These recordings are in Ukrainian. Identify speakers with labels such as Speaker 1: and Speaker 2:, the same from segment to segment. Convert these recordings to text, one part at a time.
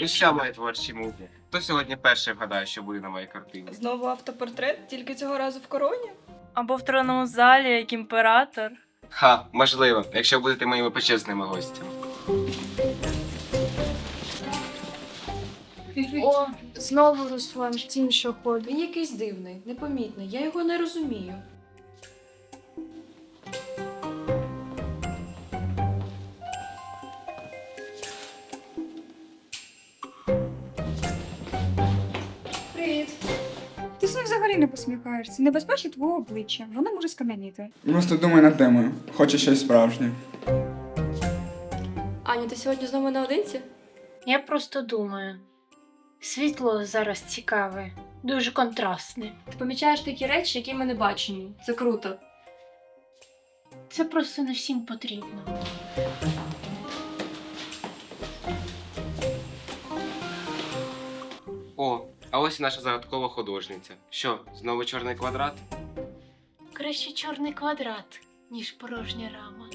Speaker 1: Ну що, мої творчі муки? Хто сьогодні перший вгадає, що буде на моїй картині?
Speaker 2: Знову автопортрет, тільки цього разу в короні?
Speaker 3: Або в тронному залі, як імператор.
Speaker 1: Ха, можливо, якщо будете моїми почесними гостями.
Speaker 4: О, знову Руслан, тінь, що ходить.
Speaker 5: Він якийсь дивний, непомітний, я його не розумію.
Speaker 4: Привіт. Ти з ним взагалі не посміхаєшся. Не безпечно твого обличчя. Воно може скам'яніти.
Speaker 6: Просто думаю над темою. Хочу щось справжнє.
Speaker 5: Аня, ти сьогодні знову наодинці?
Speaker 7: Я просто думаю. Світло зараз цікаве, дуже контрастне.
Speaker 5: Ти помічаєш такі речі, які ми не бачимо. Це круто.
Speaker 7: Це просто не всім потрібно.
Speaker 1: О, а ось і наша загадкова художниця. Що, знову чорний квадрат?
Speaker 7: Краще чорний квадрат, ніж порожня рама.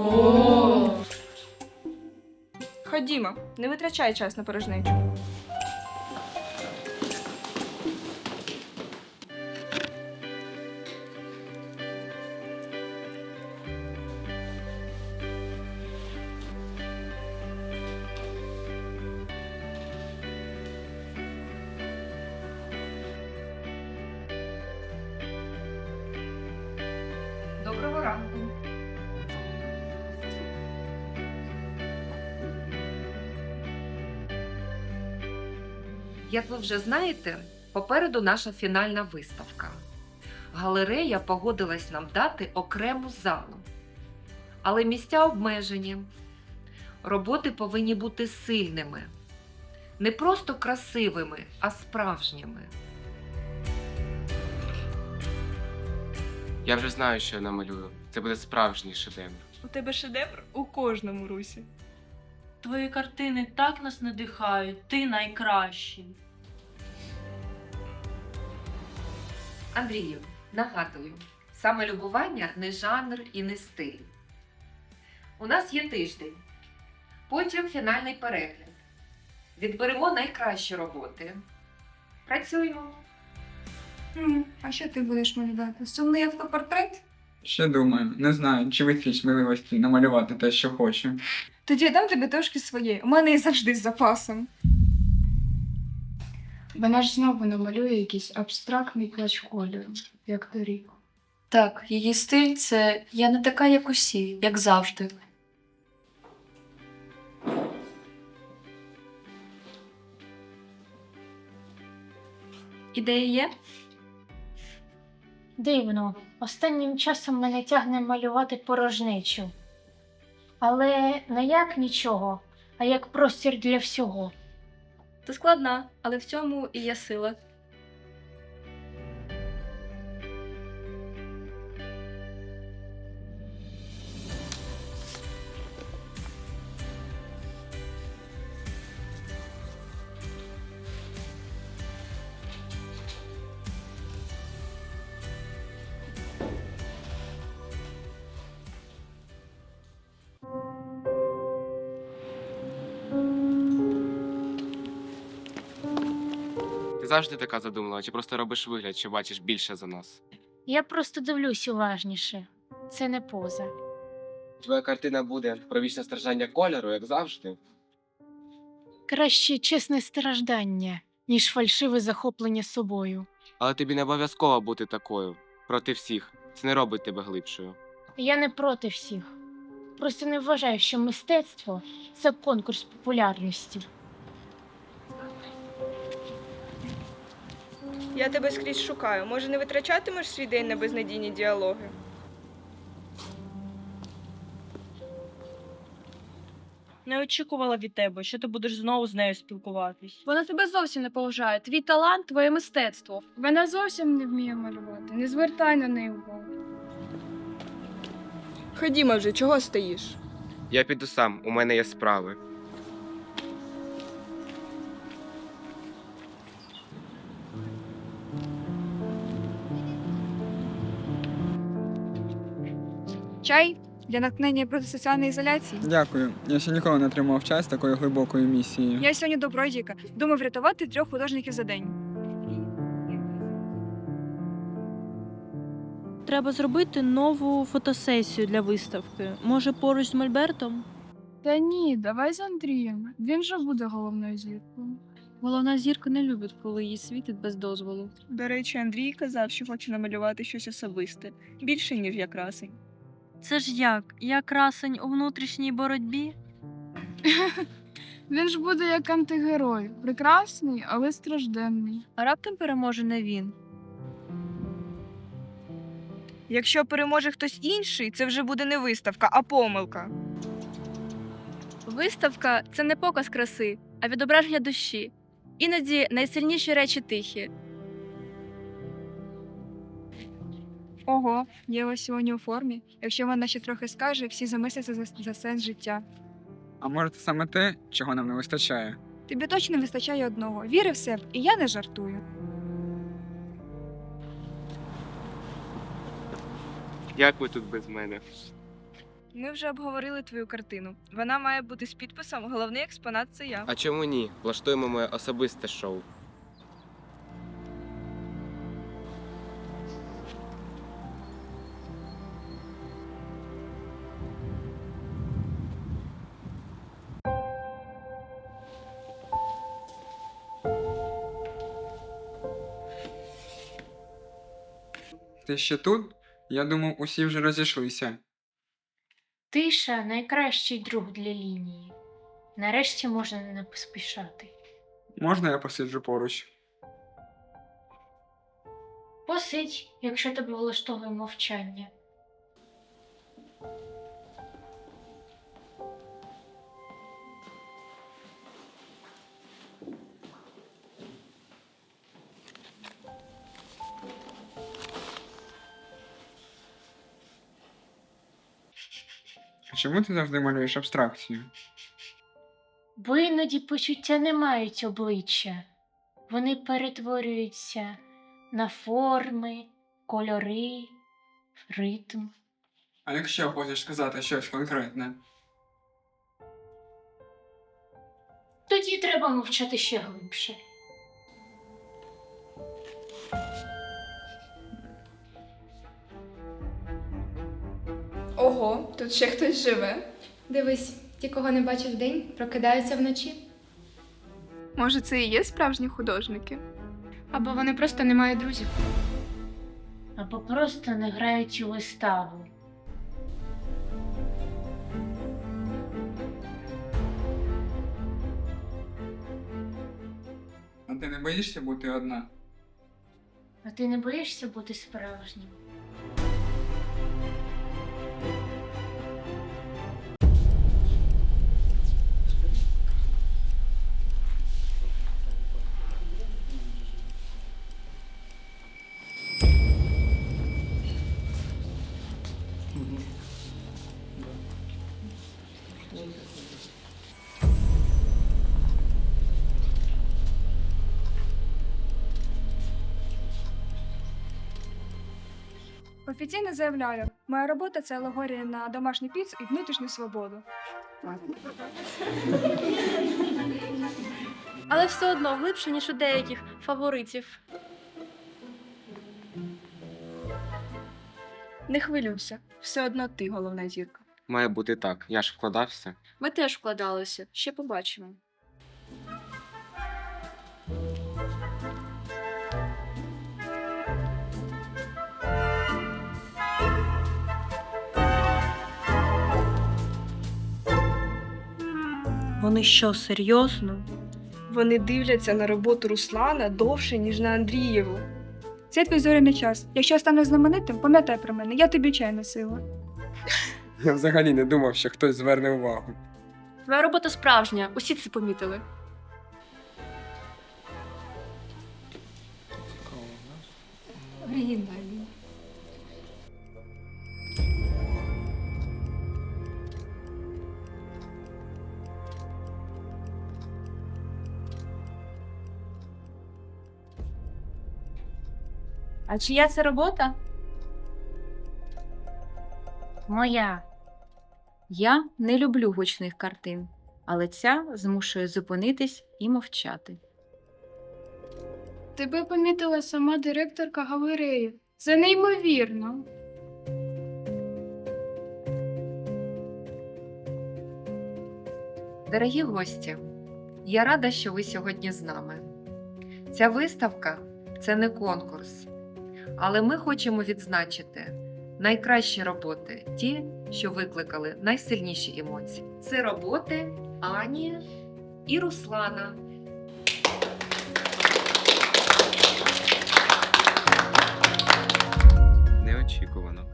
Speaker 2: Ходімо, не витрачай час на порожнечу.
Speaker 4: Доброго ранку.
Speaker 8: Як ви вже знаєте, попереду наша фінальна виставка. Галерея погодилась нам дати окрему залу. Але місця обмежені. Роботи повинні бути сильними. Не просто красивими, а справжніми.
Speaker 1: Я вже знаю, що я намалюю. Це буде справжній шедевр.
Speaker 2: У тебе шедевр у кожному русі.
Speaker 3: Твої картини так нас надихають, ти найкращий.
Speaker 8: Андрію, нагадую, самолюбування не жанр і не стиль. У нас є тиждень. Потім фінальний перегляд. Відберемо найкращі роботи. Працюємо.
Speaker 4: А що ти будеш малювати? Сумний автопортрет?
Speaker 6: Ще думаю, не знаю, чи вистачить сміливості намалювати те, що хочу.
Speaker 4: Тоді я дам тобі трошки своєї. У мене і завжди з запасом.
Speaker 9: Вона ж знову намалює якийсь абстрактний плач кольору, як торік.
Speaker 5: Так, її стиль це я не така, як усі, як завжди. Ідеї є?
Speaker 7: Дивно, останнім часом мене тягне малювати порожнечу. Але не як нічого, а як простір для всього.
Speaker 2: Ти складна, але в цьому і є сила.
Speaker 1: Ти завжди така задумлива, чи просто робиш вигляд, що бачиш більше за нас?
Speaker 7: Я просто дивлюсь уважніше. Це не поза.
Speaker 1: Твоя картина буде про вічне страждання кольору, як завжди.
Speaker 7: Краще чесне страждання, ніж фальшиве захоплення собою.
Speaker 1: Але тобі не обов'язково бути такою. Проти всіх. Це не робить тебе глибшою.
Speaker 7: Я не проти всіх. Просто не вважаю, що мистецтво – це конкурс популярності.
Speaker 2: Я тебе скрізь шукаю. Може, не витрачатимеш свій день на безнадійні діалоги?
Speaker 3: Не очікувала від тебе, що ти будеш знову з нею спілкуватись.
Speaker 4: Вона тебе зовсім не поважає. Твій талант, твоє мистецтво. Вона зовсім не вміє малювати. Не звертай на неї увагу.
Speaker 2: Ходімо вже, чого стоїш?
Speaker 1: Я піду сам, у мене є справи.
Speaker 4: Чай? Для натхнення проти соціальної ізоляції.
Speaker 6: Дякую. Я ще ніколи не отримав час такої глибокої місії.
Speaker 4: Я сьогодні добродійка. Думав врятувати 3 художників за день.
Speaker 3: Треба зробити нову фотосесію для виставки. Може, поруч з Мольбертом?
Speaker 9: Та ні, давай з Андрієм. Він же буде головною зіркою.
Speaker 3: Головна зірка не любить, коли її світить без дозволу.
Speaker 2: До речі, Андрій казав, що хоче намалювати щось особисте, більше, ніж я красень.
Speaker 3: Це ж як? Я красень у внутрішній боротьбі?
Speaker 9: Він ж буде як антигерой. Прекрасний, але стражденний.
Speaker 3: А раптом переможе не він.
Speaker 2: Якщо переможе хтось інший, це вже буде не виставка, а помилка.
Speaker 10: Виставка це не показ краси, а відображення душі. Іноді найсильніші речі тихі.
Speaker 4: Ого, Єва сьогодні у формі. Якщо вона ще трохи скаже, всі замисляться за сенс життя.
Speaker 6: А може це саме те, чого нам не вистачає?
Speaker 4: Тобі точно не вистачає одного. Віри в себе, і я не жартую.
Speaker 1: Як ви тут без мене?
Speaker 2: Ми вже обговорили твою картину. Вона має бути з підписом «Головний експонат – це я».
Speaker 1: А чому ні? Влаштуємо моє особисте шоу.
Speaker 6: Ти ще тут? Я думав, усі вже розійшлися.
Speaker 7: Тиша найкращий друг для лінії. Нарешті можна не поспішати.
Speaker 6: Можна я посиджу поруч?
Speaker 7: Посидь, якщо тебе влаштовує мовчання.
Speaker 6: А чому ти завжди малюєш абстракцію?
Speaker 7: Бо іноді почуття не мають обличчя. Вони перетворюються на форми, кольори, ритм.
Speaker 6: А якщо хочеш сказати щось конкретне?
Speaker 7: Тоді треба мовчати ще глибше.
Speaker 11: Ого, тут ще хтось живе. Дивись, ті, кого не бачив вдень, прокидаються вночі.
Speaker 9: Може, це і є справжні художники?
Speaker 11: Або вони просто не мають друзів.
Speaker 7: Або просто не грають у виставу.
Speaker 6: А ти не боїшся бути одна?
Speaker 7: А ти не боїшся бути справжнім?
Speaker 4: Офіційно заявляю, моя робота це алегорія на домашню піцу і внутрішню свободу.
Speaker 10: Але все одно глибше, ніж у деяких фаворитів.
Speaker 2: Не хвилюйся, все одно ти головна зірка.
Speaker 1: Має бути так. Я ж вкладався.
Speaker 10: Ми теж вкладалися, ще побачимо.
Speaker 3: Вони що, серйозно?
Speaker 2: Вони дивляться на роботу Руслана довше, ніж на Андрієву.
Speaker 4: Це твій зоряний час. Якщо станеш знаменитим, пам'ятай про мене, я тобі чай носила.
Speaker 6: Я взагалі не думав, що хтось зверне увагу.
Speaker 10: Твоя робота справжня, усі це помітили.
Speaker 11: Оригінальні.
Speaker 3: А чия це робота?
Speaker 7: Моя.
Speaker 12: Я не люблю гучних картин, але ця змушує зупинитись і мовчати.
Speaker 9: Тебе помітила сама директорка галереї. Це неймовірно.
Speaker 8: Дорогі гості, я рада, що ви сьогодні з нами. Ця виставка – це не конкурс, але ми хочемо відзначити найкращі роботи, ті, що викликали найсильніші емоції. Це роботи Ані і Руслана.
Speaker 1: Неочікувано.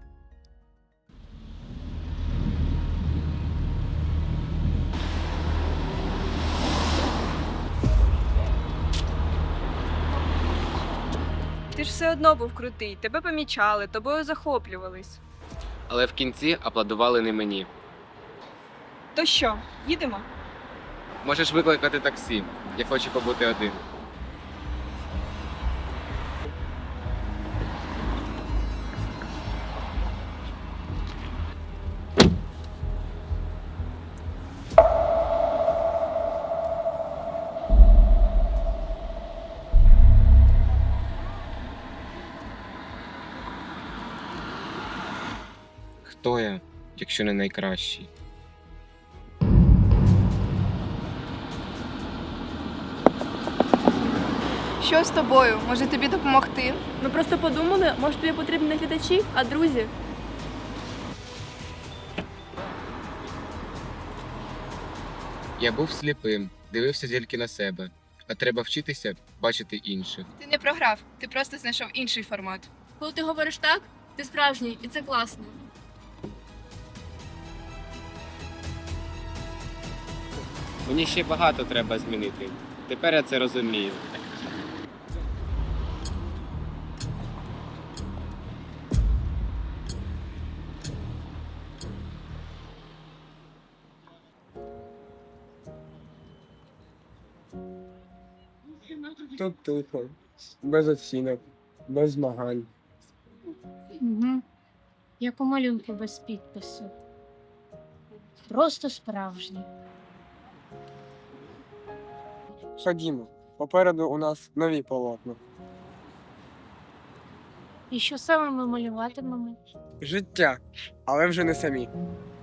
Speaker 2: Ти ж все одно був крутий, тебе помічали, тобою захоплювались.
Speaker 1: Але в кінці аплодували не мені.
Speaker 2: То що, їдемо?
Speaker 1: Можеш викликати таксі. Я хочу побути один. Хто я, якщо не найкращий?
Speaker 11: Що з тобою? Може тобі допомогти?
Speaker 10: Ми просто подумали, може тобі потрібні не глядачі, а друзі.
Speaker 1: Я був сліпим, дивився тільки на себе. А треба вчитися бачити інших.
Speaker 11: Ти не програв, ти просто знайшов інший формат.
Speaker 10: Коли ти говориш так, ти справжній, і це класно.
Speaker 1: Мені ще багато треба змінити. Тепер я це розумію.
Speaker 13: Тут тихо, без оцінок, без змагань.
Speaker 7: Угу. Як у малюнку без підпису. Просто справжній.
Speaker 13: Ходімо, попереду у нас нові полотна.
Speaker 7: І що саме ми малюватимемо?
Speaker 13: Життя, але вже не самі.